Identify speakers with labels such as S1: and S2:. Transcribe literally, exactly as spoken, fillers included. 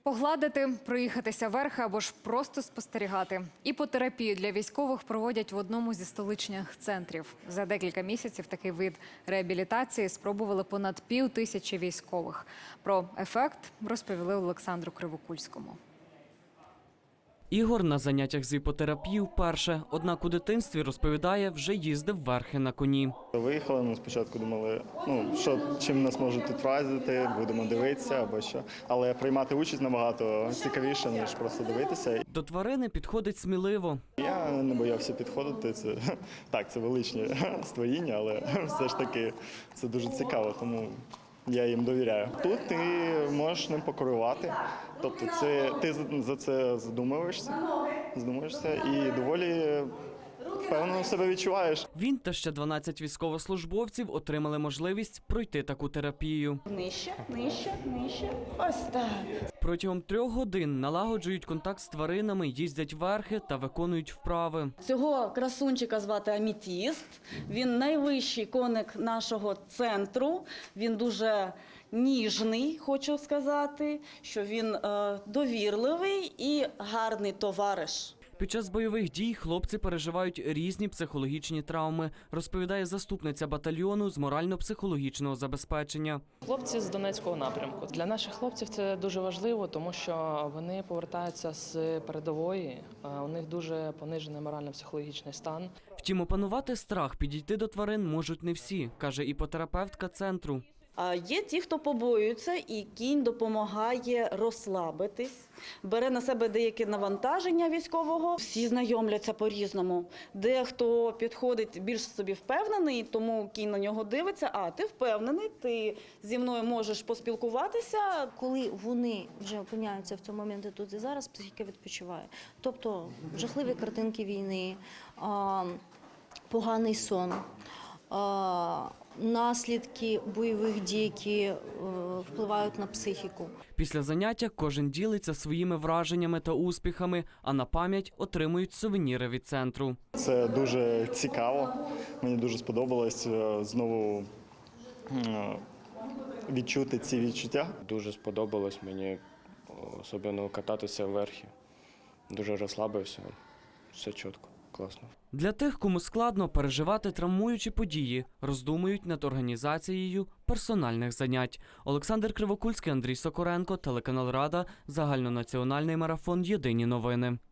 S1: Погладити, проїхатися верхи або ж просто спостерігати. Іпотерапію для військових проводять в одному зі столичних центрів. За декілька місяців такий вид реабілітації спробували понад пів тисячі військових. Про ефект розповіли Олександру Кривокульському.
S2: Ігор на заняттях з іпотерапії вперше. Однак у дитинстві, розповідає, вже їздив верхи на коні.
S3: Виїхали, ми спочатку думали, ну, що, чим нас можуть тут вразити, будемо дивитися або що. Але приймати участь набагато цікавіше, ніж просто дивитися.
S2: До тварини підходить сміливо.
S3: Я не боявся підходити. Це, так, це величні створіння, але все ж таки це дуже цікаво, тому я їм довіряю. Тут ти можеш ним покерувати, тобто це, ти за це задумуєшся, задумуєшся і доволі впевнено себе відчуваєш.
S2: Він та ще дванадцять військовослужбовців отримали можливість пройти таку терапію.
S4: Нижче, нижче, нижче. Ось так.
S2: Протягом трьох годин налагоджують контакт з тваринами, їздять верхи та виконують вправи.
S4: Цього красунчика звати Аметіст. Він найвищий коник нашого центру. Він дуже ніжний, хочу сказати, що він е, довірливий і гарний товариш.
S2: Під час бойових дій хлопці переживають різні психологічні травми, розповідає заступниця батальйону з морально-психологічного забезпечення.
S5: Хлопці з Донецького напрямку. Для наших хлопців це дуже важливо, тому що вони повертаються з передової, у них дуже понижений морально-психологічний стан.
S2: Втім, опанувати страх, підійти до тварин можуть не всі, каже іпотерапевтка центру.
S4: А є ті, хто побоюється, і кінь допомагає розслабитись, бере на себе деякі навантаження військового. Всі знайомляться по-різному. Дехто підходить більш собі впевнений, тому кінь на нього дивиться, а ти впевнений, ти зі мною можеш поспілкуватися.
S6: Коли вони вже опиняються в цьому моменті тут і зараз, психіка відпочиває. Тобто жахливі картинки війни, поганий сон, наслідки бойових дій, які впливають на психіку.
S2: Після заняття кожен ділиться своїми враженнями та успіхами, а на пам'ять отримують сувеніри від центру.
S3: Це дуже цікаво, мені дуже сподобалось знову відчути ці відчуття.
S7: Дуже сподобалось мені, особливо кататися вверхи. Дуже розслабився, все чітко. Класно.
S2: Для тих, кому складно переживати травмуючі події, роздумують над організацією персональних занять. Олександр Кривокульський, Андрій Сокоренко, телеканал Рада, загальнонаціональний марафон «Єдині новини».